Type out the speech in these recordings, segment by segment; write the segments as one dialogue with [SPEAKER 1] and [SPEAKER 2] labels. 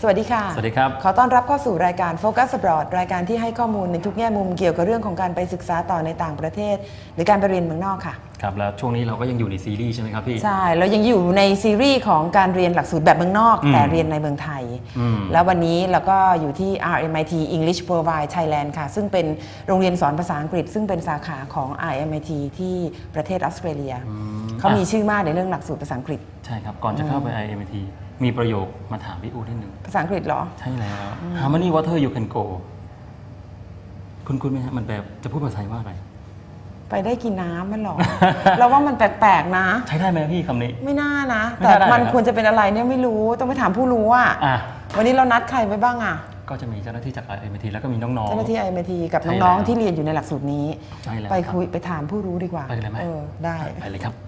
[SPEAKER 1] สวัสดีค่ะ
[SPEAKER 2] สวัสดีครับ
[SPEAKER 1] ขอต้อนรับเข้าสู่รายการ Focus Abroad รายการที่ให้ข้อมูลในทุกแง่มุมเกี่ยวกับเรื่องของการไปศึกษาต่อในต่างประเทศหรือการไปเรียนเมืองนอกค่ะ
[SPEAKER 2] ครับแล้วช่วงนี้เราก็ยังอยู่ในซีรีส์ใช่ไหมครับพี่
[SPEAKER 1] ใช่เรายังอยู่ในซีรีส์ของการเรียนหลักสูตรแบบเมืองนอกแต่เรียนในเมืองไทยแล้ววันนี้เราก็อยู่ที่ RMIT English Worldwide Thailand ค่ะซึ่งเป็นโรงเรียนสอนภาษาอังกฤษซึ่งเป็นสาขาของ RMIT ที่ประเทศออสเตรเลียเขามีชื่อมากในเรื่องหลักสูตรภาษาอังกฤษ
[SPEAKER 2] ใช่ครับก่อนจะเข้าไป RMIT มีประโยคมาถามพี่อูนิดนึง
[SPEAKER 1] ภาษาอังกฤษเหรอ
[SPEAKER 2] ใช่แล้ว How many water you can go คุณไหมฮะมันแบบจะพูดภาษาไทยว่าอะไร
[SPEAKER 1] ไปได้กินน้ำมันหรอ เราว่ามันแปลกๆนะ
[SPEAKER 2] ใช้ได้ไหมพี่คำนี้
[SPEAKER 1] ไม่น่านะแต่มันควรจะเป็นอะไรเนี่ยไม่รู้ต้องไปถามผู้รู้อ่ะวันนี้เรานัดใครไว้บ้างอ่ะ
[SPEAKER 2] ก็จะมีเจ้าหน้าที่จาก RMIT แล้วก็มีน้องๆ
[SPEAKER 1] เจ้าหน้าที่ RMIT กับน้องๆที่เรียนอยู่ในหลักสูตรนี้ไปคุยไปถามผู้รู้ดีกว่า
[SPEAKER 2] ไปเลยไหม
[SPEAKER 1] ได้
[SPEAKER 2] ไปเลยครับ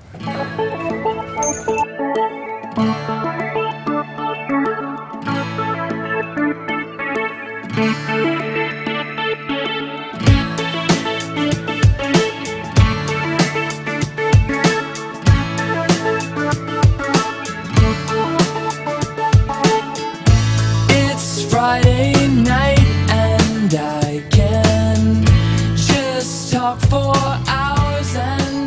[SPEAKER 3] Friday night and I can just talk for hours and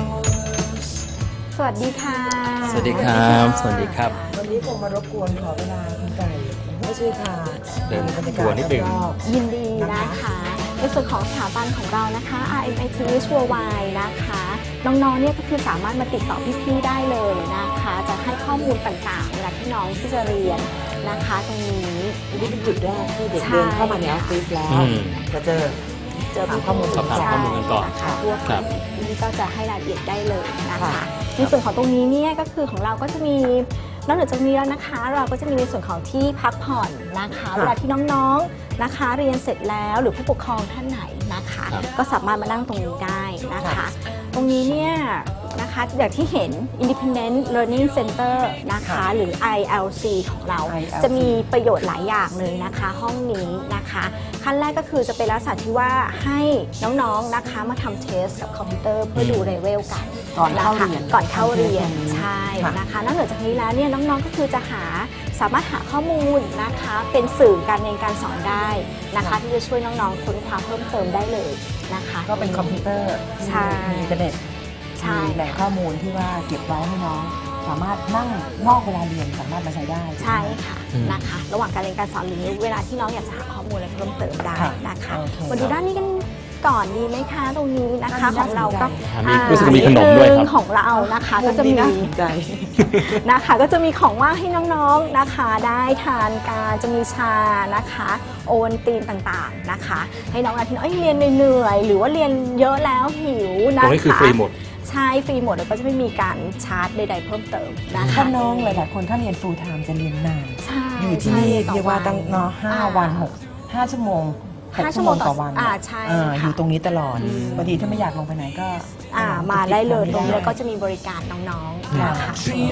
[SPEAKER 3] hours
[SPEAKER 4] สวัสดีค่ะ
[SPEAKER 2] สวัสดีครับสวัสดีครับ
[SPEAKER 1] วันนี้คงมารบกวนขอเวลาคุณไก่ไม่ช่วยพา
[SPEAKER 2] เดินบรรยากาศนิดนึง
[SPEAKER 4] ยินดีนะคะในส่วนของสถาบันของเรานะคะ RMIT Worldwide นะคะน้องๆเนี่ยก็คือสามารถมาติดต่อพี่ๆได้เลยนะคะจะให้ข้อมูลต่างๆเวลาที่น้องที่จะเรียนนะคะตรงนี้
[SPEAKER 1] นี่เป็นจุดแรกที่เด็กเดินเข้ามาในออฟฟิศแล้วจะเจอข้อมูล
[SPEAKER 2] สอบถามข้อมูลกันก่อน
[SPEAKER 4] นะคะพวกนี้ก็จะให้รายละเอียดได้เลยนะคะในส่วนของตรงนี้เนี่ยก็คือของเราก็จะมีนอกจากนี้แล้วนะคะเราก็จะมีในส่วนของที่พักผ่อนนะคะเวลาที่น้องๆนะคะเรียนเสร็จแล้วหรือผู้ปกครองท่านไหนนะคะก็สามารถมานั่งตรงนี้ได้นะคะตรงนี้เนี่ยนะคะอย่างที่เห็น Independent Learning Center นะคะหรือ ILC ของเราจะมีประโยชน์หลายอย่างเลยนะคะห้องนี้นะคะขั้นแรกก็คือจะเป็นลักษณะที่ว่าให้น้องๆนะคะมาทำเทสกับคอมพิวเตอร์เพื่อดูเลเวลกัน
[SPEAKER 1] ก่อนเข้าเรียน
[SPEAKER 4] ใช่นะคะนอกจากนี้แล้วเนี่ยน้องๆก็คือจะสามารถหาข้อมูลนะคะเป็นสื่อการเรียนการสอนได้นะคะที่จะช่วยน้องๆค้นคว้าเพิ่มเติมได้เลยนะคะ
[SPEAKER 1] ก็เป็นคอมพิวเตอร์มีอินเทอร์เน็ตมีแหล่งข้อมูลที่ว่าเก็บไว้ให้น้องสามารถนั่งนอกเวลาเรียนสามารถมาใช้ได้
[SPEAKER 4] ใช่ค่ะนะคะระหว่างการเรียนการสอนหรือเวลาที่น้องอยากจะหาข้อมูลอะไรเพิ่มเติมได้นะคะมาดูด้านนี้กันก่อนดีไหมคะตรงนี้นะคะของเราก็
[SPEAKER 2] รู้สึกมีขนมด้วยครับ
[SPEAKER 4] ของเรานะคะก็จะมีนะคะก็จะมีของว่างให้น้องๆนะคะได้ทานการจะมีชานะคะโอวัลตินต่างๆนะคะให้น้องที่เรียนเหนื่อยหรือว่าเรียนเยอะแล้วหิวนะคะ
[SPEAKER 2] ตรงนี้คือฟรีหมด
[SPEAKER 4] ใช่ฟรีหมดแล้วก็จะไม่มีการชาร์จใดๆเพิ่มเติมนะคะ
[SPEAKER 1] ถ้าน้องหลายๆคนถ้าเรียน full time จะเรียนนานอยู่ที่นี่เรียกว่าตั้ง5 วัน5 ชั่วโมง6 ชั่วโมงต่อวัน
[SPEAKER 4] ใช่
[SPEAKER 1] อยู่ตรงนี้ตลอดบางทีถ้าไม่อยากลงไปไหนก็
[SPEAKER 4] มาได้เลยตรงนี้แล้วก็จะมีบริการน้องๆนะคะ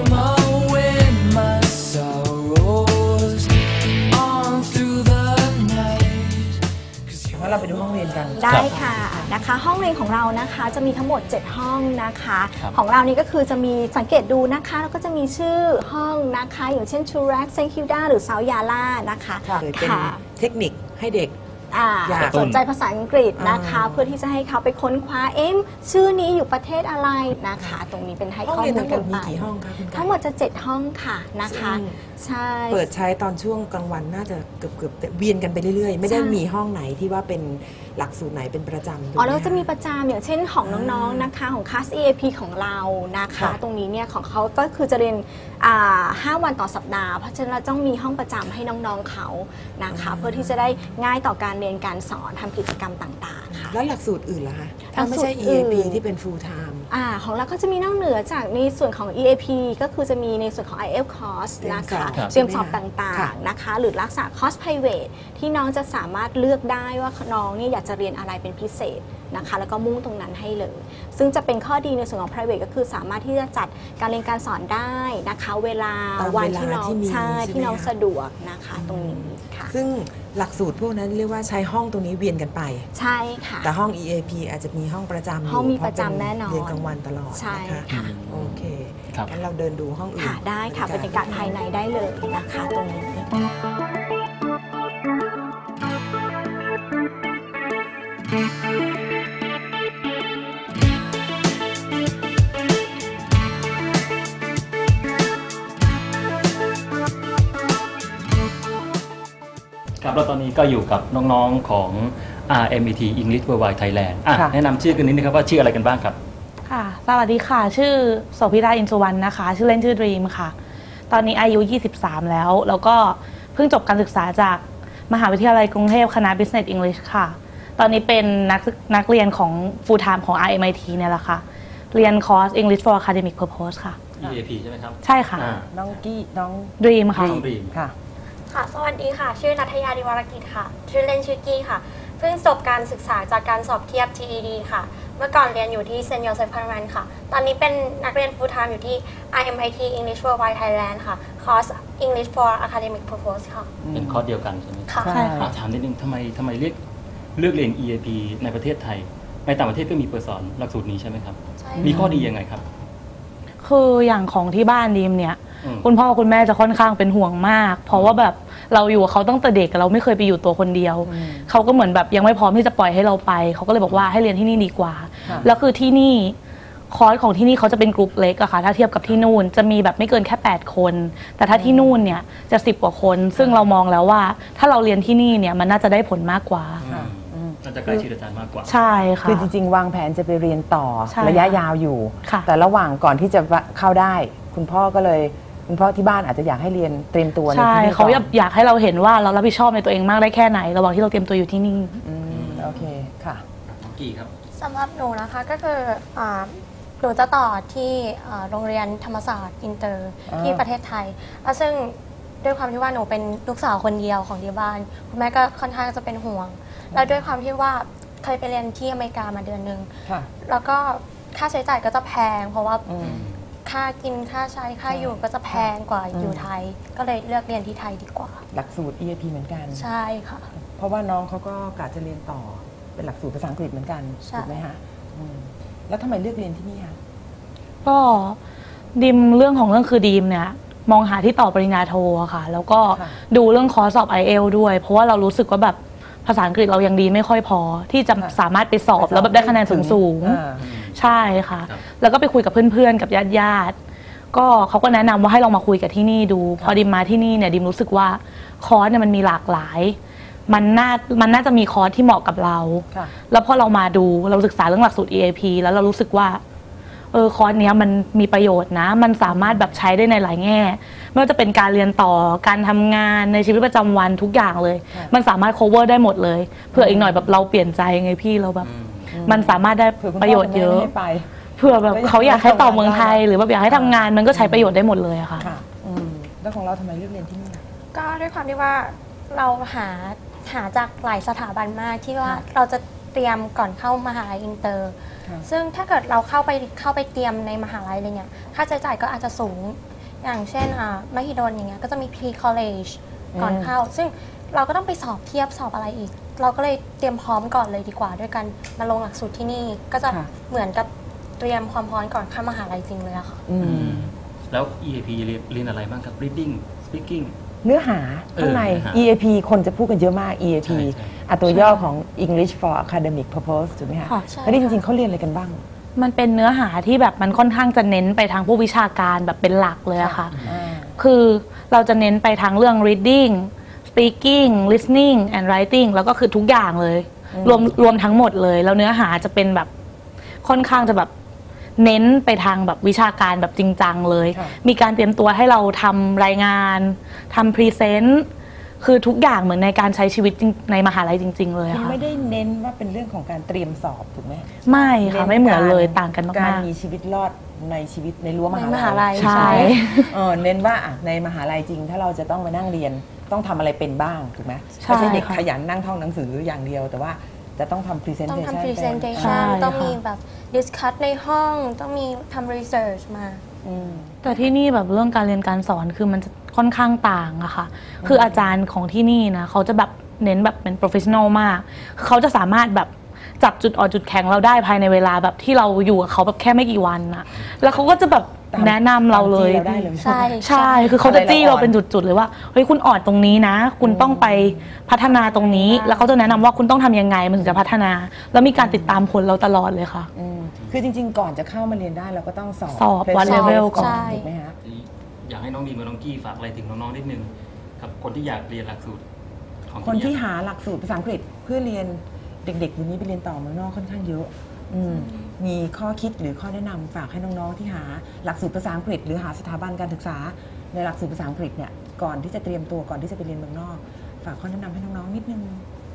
[SPEAKER 1] เราไปดูห้องเรียนกัน
[SPEAKER 4] ได้ค่ะนะคะห้องเรียนของเรานะคะจะมีทั้งหมด7ห้องนะคะของเรานี่ก็คือจะมีสังเกตดูนะคะแล้วก็จะมีชื่อห้องนะคะอย่างเช่นชูรักเซนคิวดาหรือเซาท์ยาล่านะคะ
[SPEAKER 1] เป็นเทคนิคให้เด็ก
[SPEAKER 4] สนใจภาษาอังกฤษนะคะเพื่อที่จะให้เขาไปค้นคว้าชื่อนี้อยู่ประเทศอะไรนะคะตรงนี้เป็นให้ข้อมูลกันไปทั้งหมดจะ7ห้องค่ะนะคะใช่
[SPEAKER 1] เปิดใช้ตอนช่วงกลางวันน่าจะเกือบเวียนกันไปเรื่อยๆไม่ได้มีห้องไหนที่ว่าเป็นหลักสูตรไหนเป็นประจำ
[SPEAKER 4] แล้วจะมีประจำอย่างเช่นของน้องๆนะคะของคลาส EAP ของเรานะคะตรงนี้เนี่ยของเขาก็คือจะเรียน5 วันต่อสัปดาห์เพราะฉะนั้นเราต้องมีห้องประจำให้น้องๆเขานะคะเพื่อที่จะได้ง่ายต่อการเรียนการสอนทำกิจกรรมต่างๆค่ะ
[SPEAKER 1] แล้วหลักสูตรอื่นล่ะคะถ้าไม่ใช่ EAP ที่เป็น full time
[SPEAKER 4] ของเราก็จะมีนอกเหนือจากในส่วนของ EAP ก็คือจะมีในส่วนของ IELTS course นะคะเตรียมสอบต่างๆนะคะหรือรักษาคอร์ส private ที่น้องจะสามารถเลือกได้ว่าน้องเนี่ยอยากจะเรียนอะไรเป็นพิเศษนะคะแล้วก็มุ่งตรงนั้นให้เลยซึ่งจะเป็นข้อดีในส่วนของ private ก็คือสามารถที่จะจัดการเรียนการสอนได้นะคะเวลา
[SPEAKER 1] ตาม
[SPEAKER 4] วัน
[SPEAKER 1] เวลา
[SPEAKER 4] ที่น้อง
[SPEAKER 1] ที่มี
[SPEAKER 4] ใช่
[SPEAKER 1] ใช่ไหม
[SPEAKER 4] ที่น้อง
[SPEAKER 1] คะ
[SPEAKER 4] สะดวกนะคะตรงนี้ค่ะ
[SPEAKER 1] ซึ่งหลักสูตรพวกนั้นเรียกว่าใช้ห้องตรงนี้เวียนกันไป
[SPEAKER 4] ใช่ค่ะ
[SPEAKER 1] แต่ห้อง EAP อาจจะมีห้องประจำอยู่
[SPEAKER 4] ห้องมี
[SPEAKER 1] เพ
[SPEAKER 4] ประจำแน่นอน
[SPEAKER 1] เรียนกลางวันตลอด
[SPEAKER 4] ใช่
[SPEAKER 1] นะคะ
[SPEAKER 4] ค่ะ
[SPEAKER 1] โอเค
[SPEAKER 2] ครับ
[SPEAKER 1] งั้นเราเดินดูห้องอื่น
[SPEAKER 4] ค่ะได้ค่ะบรรยากาศภายในได้เลยนะคะตรงนี้
[SPEAKER 2] ครับแล้วตอนนี้ก็อยู่กับน้องๆของ RMIT English Worldwide Thailand
[SPEAKER 1] ค่ะ
[SPEAKER 2] แนะนำชื่อกันนิดนึงครับว่าชื่ออะไรกันบ้างครับ
[SPEAKER 5] ค่ะ สวัสดีค่ะ ชื่อโสภิธาอินสุวรรณนะคะ ชื่อเล่นชื่อดรีมค่ะ ตอนนี้อายุ 23 แล้วก็เพิ่งจบการศึกษาจากมหาวิทยาลัยกรุงเทพคณะ Business English ค่ะ ตอนนี้เป็นนักเรียนของ Full Time ของ RMIT เนี่ยแหละค่ะ เรียนคอร์ส English for Academic Purpose ค่ะ
[SPEAKER 2] EAP ใช่ไหมครับ
[SPEAKER 5] ใช่ค่ะ
[SPEAKER 1] น้องกี้น้อง
[SPEAKER 5] ดรีมค่ะ
[SPEAKER 2] น้อง Dream
[SPEAKER 1] ค่ะ
[SPEAKER 6] ค่ะ สวัสดีค่ะ ชื่อนัทยาดิวรกิจค่ะ ชื่อเล่นชื่อกี้ค่ะ เพิ่งจบการศึกษาจากการสอบเทียบ GED ค่ะ เมื่อก่อนเรียนอยู่ที่เซนต์โยเซฟคอนแวนต์ค่ะ ตอนนี้เป็นนักเรียน full time อยู่ที่ RMIT English Worldwide Thailand ค่ะ คอร์ส English for Academic Purpose ค่ะ
[SPEAKER 2] เป็นคอร์สเดียวกันใช่ไหม
[SPEAKER 6] ค่ะ
[SPEAKER 1] ใช่
[SPEAKER 2] ถามนิดนึงทำไมเลือกเรียน EAP ในประเทศไทย ในต่างประเทศก็มีเปิดสอนหลักสูตรนี้ใช่ไหมครับ
[SPEAKER 6] ใช่
[SPEAKER 2] มีข้อดียังไงครับ
[SPEAKER 5] คืออย่างของที่บ้านดีมเนี่ย
[SPEAKER 2] อืม
[SPEAKER 5] คุณพ่อคุณแม่จะค่อนข้างเป็นห่วงมาก เพราะว่าแบบเราอยู่กับเขาตั้งแต่เด็กเราไม่เคยไปอยู่ตัวคนเดียว เขาก็เหมือนแบบยังไม่พร้อมที่จะปล่อยให้เราไป เขาก็เลยบอกว่าให้เรียนที่นี่ดีกว่า
[SPEAKER 1] ค่ะ
[SPEAKER 5] แล้วคือที่นี่คอร์สของที่นี่เขาจะเป็นกลุ่มเล็กอะค่ะถ้าเทียบกับที่นู่นจะมีแบบไม่เกินแค่8 คน แต่ถ้าที่นู่นเนี่ยจะ10 กว่าคน ซึ่งเรามองแล้วว่าถ้าเราเรียนที่นี่เนี่ยมันน่าจะได้ผลมากกว่า
[SPEAKER 2] น่าจะใกล้ชิดอาจารย์มากกว่า
[SPEAKER 5] ใช่ค่ะ
[SPEAKER 1] คือจริงๆ วางแผนจะไปเรียนต่อ
[SPEAKER 5] ใช่
[SPEAKER 1] ระยะ
[SPEAKER 5] ค่ะ
[SPEAKER 1] ยาวอยู่
[SPEAKER 5] ค่ะ
[SPEAKER 1] แต่ระหว่างก่อนที่จะเข้าได้ คุณพ่อที่บ้านอาจจะอยากให้เรียนเตรียมตัวใน
[SPEAKER 5] ใช่
[SPEAKER 1] ที่นี่
[SPEAKER 5] เขา
[SPEAKER 1] ก่อน
[SPEAKER 5] อยากให้เราเห็นว่าเรารับผิดชอบในตัวเองมากได้แค่ไหน ระหว่างที่เราเตรียมตัวอยู่ที่นี่
[SPEAKER 1] โอเคค่ะ
[SPEAKER 2] น้องกี่ครับ
[SPEAKER 6] สำหรับหนูนะคะก็คือหนูจะต่อที่โรงเรียนธรรมศาสตร์อินเตอร์
[SPEAKER 1] อ่า
[SPEAKER 6] ที่ประเทศไทยแล้วซึ่งด้วยความที่ว่าหนูเป็นลูกสาวคนเดียวของที่บ้านคุณแม่ก็ค่อนข้างจะเป็นห่วง แล้วด้วยความที่ว่าเคยไปเรียนที่อเมริกามาเดือนนึง
[SPEAKER 1] ค่ะ
[SPEAKER 6] แล้วก็ค่าใช้จ่ายก็จะแพง เพราะว่า
[SPEAKER 1] อืม
[SPEAKER 6] ค่ากินค่าใช้ค่าอยู่ก็จะแพงกว่าอยู่ไทย ก็เลยเลือกเรียนที่ไทยดีกว่า
[SPEAKER 1] หลักสูตร EAP เหมือนกัน
[SPEAKER 6] ใช่ค่ะ
[SPEAKER 1] เพราะว่าน้องเขาก็กะจะเรียนต่อเป็นหลักสูตรภาษาอังกฤษเหมือนกัน
[SPEAKER 6] ใช่
[SPEAKER 1] ถูกไหมคะแล้วทำไมเลือกเรียนที่นี่คะ
[SPEAKER 5] ก็ดีมเรื่องของเรื่องคือดีมเนี่ยมองหาที่ต่อปริญญาโทอะค่ะ แล้วก็ดูเรื่องคอร์สสอบ IELTS ด้วย เพราะว่าเรารู้สึกว่าแบบภาษาอังกฤษเรายังดีไม่ค่อยพอ ที่จะสามารถไปสอบแล้วแบบได้คะแนนสูง
[SPEAKER 1] อ่า
[SPEAKER 5] ๆใช่ค่ะ
[SPEAKER 2] ครับ
[SPEAKER 5] แล้วก็ไปคุยกับเพื่อนๆกับญาติๆก็เขาก็แนะนำว่าให้ลองมาคุยกับที่นี่ดู พอดิมมาที่นี่เนี่ยดิมรู้สึกว่าคอร์สเนี่ยมันมีหลากหลาย มันน่าจะมีคอร์สที่เหมาะกับเรา
[SPEAKER 1] ค่ะ
[SPEAKER 5] แล้วพอเรามาดูเราศึกษาเรื่องหลักสูตร EAP แล้วเรารู้สึกว่าคอร์สเนี้ยมันมีประโยชน์นะ มันสามารถแบบใช้ได้ในหลายแง่ไม่ว่าจะเป็นการเรียนต่อการทำงานในชีวิตประจำวันทุกอย่างเลย มันสามารถ cover ได้หมดเลยเผื่ออีกหน่อยแบบเราเปลี่ยนใจไงพี่เราแบบ มันสามารถได้
[SPEAKER 1] เผื่อคุณ
[SPEAKER 5] ประโยชน์เยอะ
[SPEAKER 1] พ่คุณแม่ไม่ให้ไป
[SPEAKER 5] เผื่อแบบเขาอยากให้ต่อเมืองไทย หรือแบบอยากให้ทำงานมันก็ใช้ประโยชน์ได้หมดเลยอะค่ะ
[SPEAKER 1] ค่ะแล้วของเราทำไมเลือกเรียนที่นี่ล่ะ
[SPEAKER 6] ก็ด้วยความที่ว่าเราหาจากหลายสถาบันมากที่ว่าเราจะเตรียมก่อนเข้ามหาลัยอินเตอร์
[SPEAKER 1] ค่ะ
[SPEAKER 6] ซึ่งถ้าเกิดเราเข้าไปเตรียมในมหาลัยอะไรเงี้ยค่าใช้จ่ายก็อาจจะสูง อย่างเช่นมหิดลอย่างเงี้ยก็จะมี pre college ก่อนเข้า ซึ่งเราก็ต้องไปสอบเทียบสอบอะไรอีก เราก็เลยเตรียมพร้อมก่อนเลยดีกว่า ด้วยกันมาลงหลักสูตรที่นี่ก็จะ
[SPEAKER 1] ค่ะ
[SPEAKER 6] เหมือนกับเตรียมความพร้อมก่อนเข้ามหาลัยจริงเลยอะค่ะ
[SPEAKER 2] แล้ว EAP เรียนอะไรบ้างครับ reading speaking
[SPEAKER 1] เนื้อหาข้างใน
[SPEAKER 2] เนื้อหา
[SPEAKER 1] EAP คนจะพูดกันเยอะมาก EAP
[SPEAKER 2] ใช่ใช่
[SPEAKER 1] ตัวย่อของ English for Academic Purpose ถูกไหมคะ
[SPEAKER 5] ค่ะ
[SPEAKER 6] ใช่
[SPEAKER 1] แล้วนี่จริงๆเขาเรียนอะไรกันบ้าง
[SPEAKER 5] มันเป็นเนื้อหาที่แบบมันค่อนข้างจะเน้นไปทางผู้วิชาการแบบเป็นหลักเลยอะค่ะ คือเราจะเน้นไปทางเรื่อง reading speaking listening and writing แล้วก็คือทุกอย่างเลยรวมทั้งหมดเลยแล้วเนื้อหาจะเป็นแบบค่อนข้างจะแบบเน้นไปทางแบบวิชาการแบบจริงจังเลย
[SPEAKER 1] ค่ะ
[SPEAKER 5] มีการเตรียมตัวให้เราทำรายงานทำพรีเซนต์คือทุกอย่างเหมือนในการใช้ชีวิตจริงในมหาลัยจริง ๆ เลยอะ
[SPEAKER 1] คือ
[SPEAKER 5] ค่ะ
[SPEAKER 1] ไม่ได้เน้นว่าเป็นเรื่องของการเตรียมสอบถูกไหม
[SPEAKER 5] ไม่ค่ะไม่เหมือนเลยต่างกัน
[SPEAKER 1] การ
[SPEAKER 5] มาก
[SPEAKER 1] มีชีวิตรอดในชีวิตในรั้วมหา
[SPEAKER 6] ในมหาลั
[SPEAKER 1] ลั
[SPEAKER 6] ย
[SPEAKER 1] ย
[SPEAKER 5] ใช่
[SPEAKER 1] เน้นว่าในมหาลัยจริง ถ้าเราจะต้องมานั่งเรียนต้องทำอะไรเป็นบ้างถูกไหม
[SPEAKER 5] ใช่
[SPEAKER 1] ไม่ใช่เด็ก
[SPEAKER 5] ค่ะ
[SPEAKER 1] ขยันนั่งท่องหนังสืออย่างเดียว แต่ว่าจะต้องทำ
[SPEAKER 6] ต้อง
[SPEAKER 1] presentation
[SPEAKER 6] ทำ
[SPEAKER 5] ใช่
[SPEAKER 6] presentation
[SPEAKER 5] ค่ะ
[SPEAKER 6] ต้องมีแบบ discuss ในห้องต้องมีทำ research มา
[SPEAKER 5] แต่ที่นี่แบบเรื่องการเรียนการสอนคือมันจะค่อนข้างต่างอะค่ะคืออาจารย์ของที่นี่นะเขาจะแบบเน้นแบบเป็น professional มากคือเขาจะสามารถแบบจับจุดอ่อนจุดแข็งเราได้ภายในเวลาแบบที่เราอยู่กับเขาแบบแค่ไม่กี่วันอะแล้วเขาก็จะแบบแนะนำเราเลย
[SPEAKER 1] ตามที่ได้เลย
[SPEAKER 6] ใช่
[SPEAKER 5] ใช่คือเขาจะจี้เราเป็นจุดๆเลยว่าเฮ้ยคุณอ่อนตรงนี้นะ คุณต้องไปพัฒนาตรงนี้ แล้วเขาจะแนะนำว่าคุณต้องทำยังไงมันถึงจะพัฒนา แล้วมีการติดตามผลเราตลอดเลยค่ะ
[SPEAKER 1] คือจริงๆ ก่อนจะเข้ามาเรียนได้เราก็ต้องสอบ
[SPEAKER 5] สอบวัด level ก่อน
[SPEAKER 1] ใช่ถูกไหมฮะ
[SPEAKER 2] อยากให้น้องดีมกับน้องกี้ฝากอะไรถึงน้องๆนิดนึงกับคนที่อยากเรียนหลักสูตรของ
[SPEAKER 1] คนที่
[SPEAKER 2] เย
[SPEAKER 1] หาหลักสูตรภาษาอังกฤษเพื่อเรียนเด็กๆเดี๋ยวนี้ไปเรียนต่อเมืองนอกค่อนข้างเยอะมีข้อคิดหรือข้อแนะนำฝากให้น้องๆที่หาหลักสูตรภาษาอังกฤษหรือหาสถาบันการศึกษาในหลักสูตรภาษาอังกฤษเนี่ยก่อนที่จะเตรียมตัวก่อนที่จะไปเรียนเมืองนอกฝากข้อแนะนำให้น้องๆนิดนึง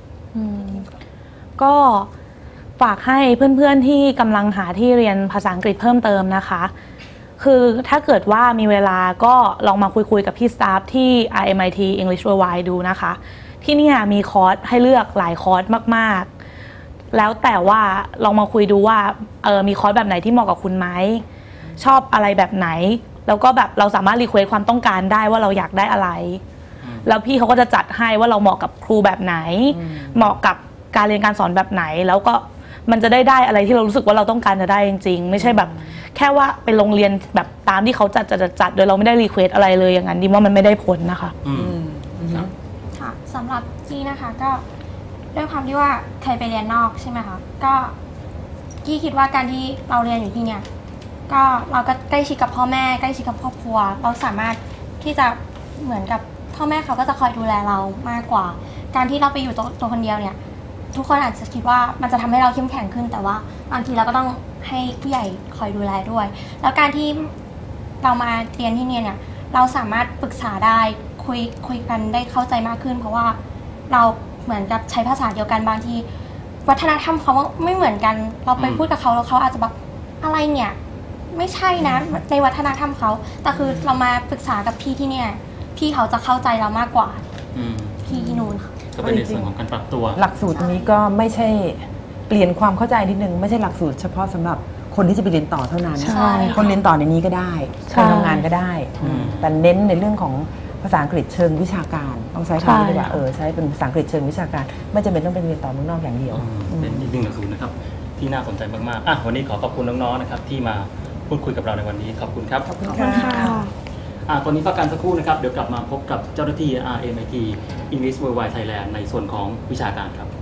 [SPEAKER 5] ก็ฝากให้เพื่อนๆที่กำลังหาที่เรียนภาษาอังกฤษเพิ่มเติมนะคะ คือถ้าเกิดว่ามีเวลาก็ลองมาคุยกับพี่สตาฟที่ RMIT English Worldwide ดูนะคะ ที่นี่มีคอร์สให้เลือกหลายคอร์สมากๆ แล้วแต่ว่าลองมาคุยดูว่ามีคอร์สแบบไหนที่เหมาะกับคุณไหมชอบอะไรแบบไหน แล้วก็แบบเราสามารถรีเควสความต้องการได้ว่าเราอยากได้อะไร แล้วพี่เขาก็จะจัดให้ว่าเราเหมาะกับครูแบบไหน เหมาะกับการเรียนการสอนแบบไหน แล้วก็มันจะได้อะไรที่เรารู้สึกว่าเราต้องการจะได้จริงๆไม่ใช่แบบแค่ว่าไปโรงเรียนแบบตามที่เขาจัดโดยเราไม่ได้รีเควสอะไรเลยอย่างนั้นดิว่ามันไม่ได้ผลนะคะ
[SPEAKER 6] ค่ะสำหรับกี้นะคะก็ด้วยความที่ว่าเคยไปเรียนนอกใช่ไหมคะก็กี้คิดว่าการที่เราเรียนอยู่ที่เนี่ยก็เราก็ใกล้ชิดกับพ่อแม่ใกล้ชิดกับครอบครัวเราสามารถที่จะเหมือนกับพ่อแม่เขาก็จะคอยดูแลเรามากกว่า การที่เราไปอยู่ตัวคนเดียวเนี่ยทุกคนอาจจะคิดว่ามันจะทำให้เราเข้มแข็งขึ้นแต่ว่าบางทีเราก็ต้องให้ผู้ใหญ่คอยดูแลด้วยแล้วการที่เรามาเรียนที่เนี่ยเราสามารถปรึกษาได้คุยกันได้เข้าใจมากขึ้นเพราะว่าเราเหมือนกับใช้ภาษาเดียวกันบางทีวัฒนธรรมเขาไม่เหมือนกันเราไปพูดกับเขาแล้วเขาอาจจะแบบอะไรเนี่ยไม่ใช่นะในวัฒนธรรมเขาแต่คือเรามาปรึกษากับพี่ที่เนี่ยพี่เขาจะเข้าใจเรามากกว่าพี่ที่นู่นค่ะ
[SPEAKER 2] ก็เป็นในส่วนของการปรับตัว
[SPEAKER 1] หลักสูตรนี้ก็ไม่ใช่เปลี่ยนความเข้าใจนิดนึงไม่ใช่หลักสูตรเฉพาะสำหรับคนที่จะไปเรียนต่อเท่านั้นคนเรียนต่อในนี้ก็ได้คนทำงานก็ได้แต่เน้นในเรื่องของภาษาอังกฤษเชิงวิชาการต้องใช้คำนี้ดีกว่าใช้เป็นภาษาอังกฤษเชิงวิชาการไม่จำเป็นต้องไปเรียนต่อเมืองนอกอย่างเดียว
[SPEAKER 2] เป็นอีกหนึ่งหลักสูตรนะครับที่น่าสนใจมากๆวันนี้ขอบคุณน้องๆนะครับที่มาพูดคุยกับเราในวันนี้ขอบคุณครับ
[SPEAKER 1] ขอบคุณค่ะ
[SPEAKER 2] ตอนนี้พักกันสักครู่นะครับเดี๋ยวกลับมาพบกับเจ้าหน้าที่ RMIT English Worldwide Thailand ในส่วนของวิชาการครับ